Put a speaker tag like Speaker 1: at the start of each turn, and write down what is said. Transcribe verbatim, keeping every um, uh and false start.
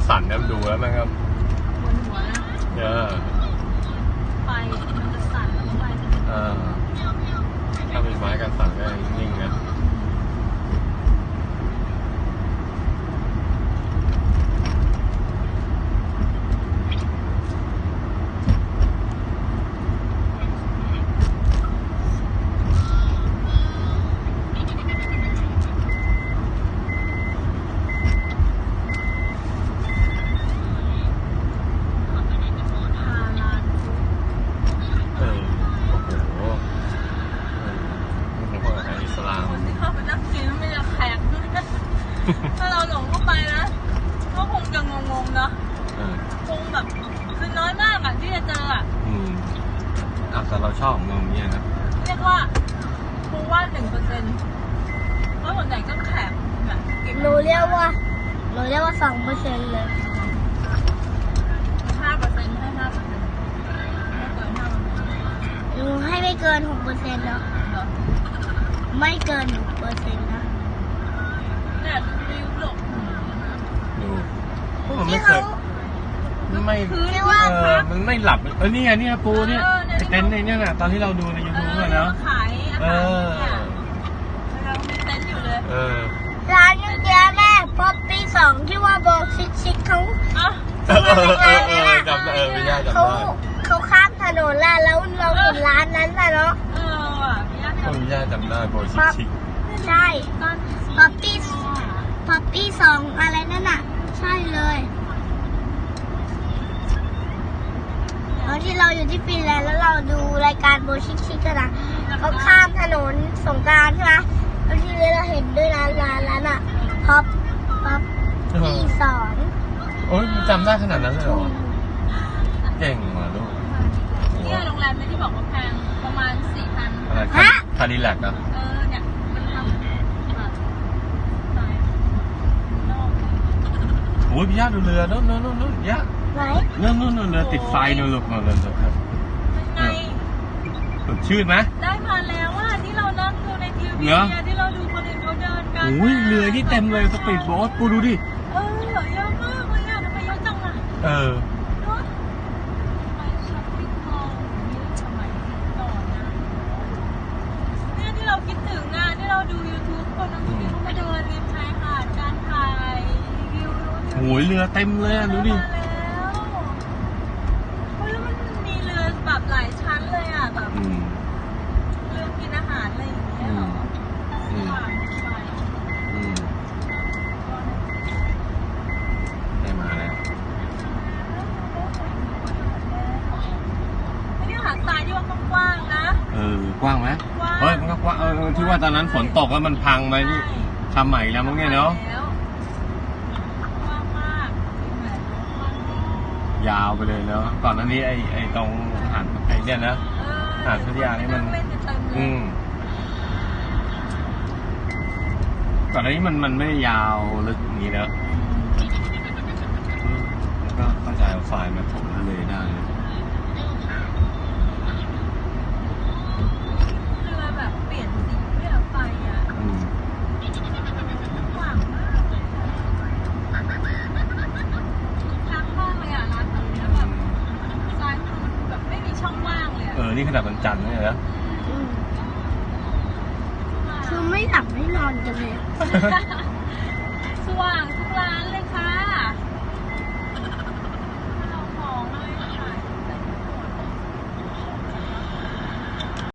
Speaker 1: สั่นนะดูแล้วมันก็
Speaker 2: บนหัวนะ
Speaker 1: เออ
Speaker 2: ไฟมันจะสั่นแล้วไฟ
Speaker 1: เออถ้าเป็นไม้กันสั่นก็นิ่งๆนะ
Speaker 2: ถ้าเราหลงเข้าไปนะก็คงจะงงๆเนาะคงแบบคือน้อยมากอะที่จะเจออะ
Speaker 1: อืมอ่ะแต่เราชอบงงเงี้ยนะ
Speaker 2: เรียกว่าครูว่าหนึ่งเปอร์เซ็นต์เพราะส่วนใหญ่ก็แขกแบบ
Speaker 3: หนูเรียกว่าหนูเรียกว่าสองเปอร์เซ็นต์เลย
Speaker 2: ห้าเปอร์เซ็นต์ให้ห้าเปอร์เซ็นต์ไม่เกินห้าเปอร์เซ็นต์
Speaker 3: หนูให้ไม่เกินหกเปอร์เซ็นต์แล้วไม่เกินหกเปอร์เซ็นต์นะ
Speaker 2: เนี่ยวิวหลบ
Speaker 1: ดูมันไม่เคยไม่เออมันไม่หลับเออนี่ไงนี่ปูเนี่ยเต็นท์ในเนี่ยน่ะตอนที่เราดูในยูทูบเลยเนาะ
Speaker 2: ขายอาหารเนี่ยเรามีเต็นท์อยู่เลย
Speaker 1: เออ
Speaker 3: ร้านยังเจอแม่พอปีสองที่ว่าบอกชิคชิคเขา
Speaker 1: เออเออเออเออจำได้เออไม่ยากจำได้
Speaker 3: เขาข้ามถนนแล้วแล้วเราเห็นร้านนั้นน่ะเนาะ
Speaker 2: เออว่ะพี่ย่าจำ
Speaker 1: พี่ย่าจำได้โบชิคชิค
Speaker 3: ใช่พอปีพอปีสองอะไรนั่นน่ะใช่เลยแล้วที่เราอยู่ที่ฟินแลนด์แล้วเราดูรายการโบชิคชิคกันนะเขาข้ามถนนสงกรานต์ใช่ไหมแล้วทีนี้เราเห็นด้วยนะร้านนั้นอ่ะพ็อปพ็อปปีสอง
Speaker 1: โอ้ยจำได้ขนาดนั้นเลยเหรอเก่งว่ะลูก
Speaker 2: เนี่ยโรงแรมที่บอกว่าแพงประมาณสี่พัน
Speaker 1: อะไรคาดิแลกอ่ะ
Speaker 2: เออเนี่ยมันทำแบบ
Speaker 1: โอ้ยพี่ย่าดูเรือนู้นนู้นนู้นย่า
Speaker 3: ไหน
Speaker 1: นู้นนู้นนู้นเรือติดไฟนู่นลูกนู่นเลยครับ
Speaker 2: ไง
Speaker 1: สดชื่นไหม
Speaker 2: ได้มาแล้วว่าที่เรานั่งดูในทีวีที่เราดูคนอื่นเขาเดินกัน
Speaker 1: โอ้ยเรือนี่เต็มเลยสปีดโบ๊ทปูดูดิ
Speaker 2: เออเยอะมากเลยอ่ะทำไมเยอะจังอ่ะ
Speaker 1: เออ
Speaker 2: ไปช้อปปิ้งมอลล์นี่สมัยก่อนนะเนี่ยที่เราคิดถึงอ่ะที่เราดู ยูทูบ คนนั้นที่เขามาเดินริมชายหาดการถ่ายรีวิว
Speaker 1: โอ้ยเรือเต็มเลยอ่ะดูดิ
Speaker 2: แบบหลายชั้นเลยอ่ะแบบเรื่องกินอาหารอะไรอย่างเงี้ยเหรอ
Speaker 1: ได้มาแล้ว
Speaker 2: นี่หาดทรายที่ว่ากว้างๆนะ
Speaker 1: เออกว้างไหมเฮ้ยมันก็กว้างเออที่ว่าตอนนั้นฝนตกแล้วมันพังไปนี่ทำใหม่แล้วมั้งเนี่ยเนาะยาวไปเลยเนาะก่อนหน้านี้ไอ้ไอ้ตรงหาดไอ้เนี่ยนะหาดพัทยานี่มันอืมก่อนหน้านี้มันมันไม่ยาวลึกอย่างนี้เนอะแล้วก็เข้าใจเอาไฟมาถมทะเลได้
Speaker 2: เรือแบบเปลี่ยนสีเรือไฟอ่ะหวังมากเลยทักมากเลยอ่ะร้านแบบนี้แบบซ้ายมือแบบไม่มีช่องว่างเลย
Speaker 1: เออนี่ขนาดวันจันทร์เนี่ยนะ
Speaker 3: คือไม่หลับไม่นอนกันเลย